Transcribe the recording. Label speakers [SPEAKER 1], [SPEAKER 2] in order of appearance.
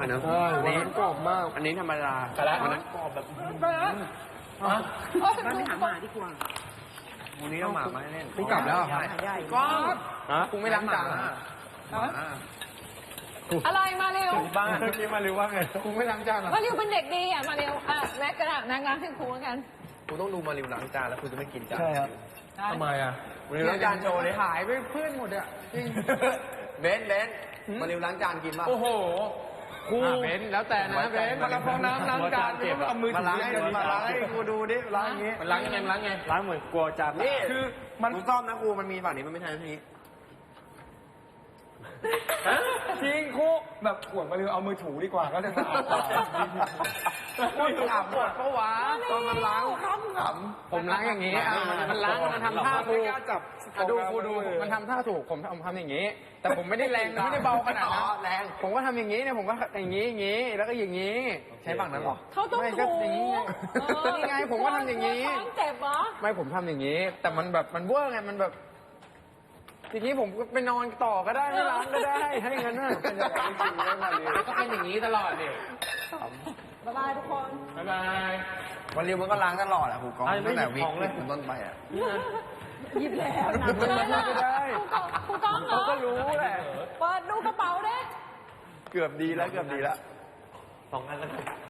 [SPEAKER 1] เนอะอันนี้กรอบมากอันนี้ธรรมดาอันนั้นกรอบแบบ
[SPEAKER 2] ไปหาหมาดีกว่า
[SPEAKER 1] วันนี้เราหมามาเล่น
[SPEAKER 3] กูกลับแล้วเหรอครับ
[SPEAKER 2] ก็
[SPEAKER 3] กูไม่ล้างจาน
[SPEAKER 2] อะไรมาเร็ว
[SPEAKER 1] บ้านเมื่อกี้มารู้ว่าไง
[SPEAKER 3] กูไม่ล้างจานเหรอ
[SPEAKER 2] มาเร็วเป็นเด็กดีอ่ะมาเร็วอ่ะแม็กกระดาษแม็กล้างให้ครูแล้วกัน
[SPEAKER 1] กูต้องดูมาริวล้างจานแล้วกูจะไม่กินจาน
[SPEAKER 3] ใช่ครับ
[SPEAKER 1] ทำไมอ่ะมาริวล้างจานโชว์เลย
[SPEAKER 3] ขายไปเพื่อนหมดอ่ะจริง
[SPEAKER 1] เบนมาริวล้างจานกินป่ะ
[SPEAKER 3] โอ้โหครูเบนแล้วแต่นะเบนมาละฟองน้ำล้างจานไม่ต้องเอามือ
[SPEAKER 1] มา
[SPEAKER 3] ถื
[SPEAKER 1] ล้างให้
[SPEAKER 3] อ
[SPEAKER 1] มาล้างให้กูดูดิล้างอย่างงี้
[SPEAKER 3] มันล้างยังไงมันล้างไง
[SPEAKER 1] ล้างเหมือนกลัวจานนี่
[SPEAKER 3] คือมัน
[SPEAKER 1] กูซ่อมนะกูมันมีฝั่งนี้มันไม่ใช่ทีนี้
[SPEAKER 3] จริงครูแบบขวดมาเลยเอามือถูดีกว่าก็จะสะอาดกว่าพูดขำปวดปะวะตอนมันล้างขำผมล้างอย่างนี้มันล้างมันทำท่าถูกดูครูดูมันทำท่าถูกผมทำอย่างนี้ แต่ผมไม่ได้แรงไม่ได้เบาขนาดนั้น
[SPEAKER 1] แรง
[SPEAKER 3] ผมก็ทำอย่างนี้เนี่ยผมก็อย่างนี้แล้วก็อย่างนี้
[SPEAKER 1] ใช้ฝั่งนั้นหรอ
[SPEAKER 2] เขาต้อง
[SPEAKER 3] ไม่ก็
[SPEAKER 2] ถู
[SPEAKER 3] อย่างนี้ไงนี่ไงผมก็ทำอย่างนี้
[SPEAKER 2] ท้องเจ็บเหรอ
[SPEAKER 3] ไม่ผมทำอย่างนี้ แต่มันแบบมันเวอร์ไงมันแบบทีนี้ผมก็ไปนอนต่อก็ได้ไม่ล้างก็ได้ให้เงินน่ะเป็นอย่างนี้จริงๆแล้วมาเลยก็เป็นอย่างนี้ตลอดเนี่ย
[SPEAKER 2] บ๊ายบายทุกคน
[SPEAKER 3] บ๊ายบาย
[SPEAKER 1] วันริวมันก็ล้างตลอดอ่ะครูกองตั้งแต่วิกฤตเป็นต้นไปอ่ะ
[SPEAKER 2] หยิบแล้ว
[SPEAKER 3] ไม่ได้
[SPEAKER 2] ครูก้องเหร
[SPEAKER 3] เขา
[SPEAKER 2] อ
[SPEAKER 3] ก็รู้แหละ
[SPEAKER 2] เปิดดูกระเป๋าเด้
[SPEAKER 1] เกือบดีแล้ว2 อันแล้ว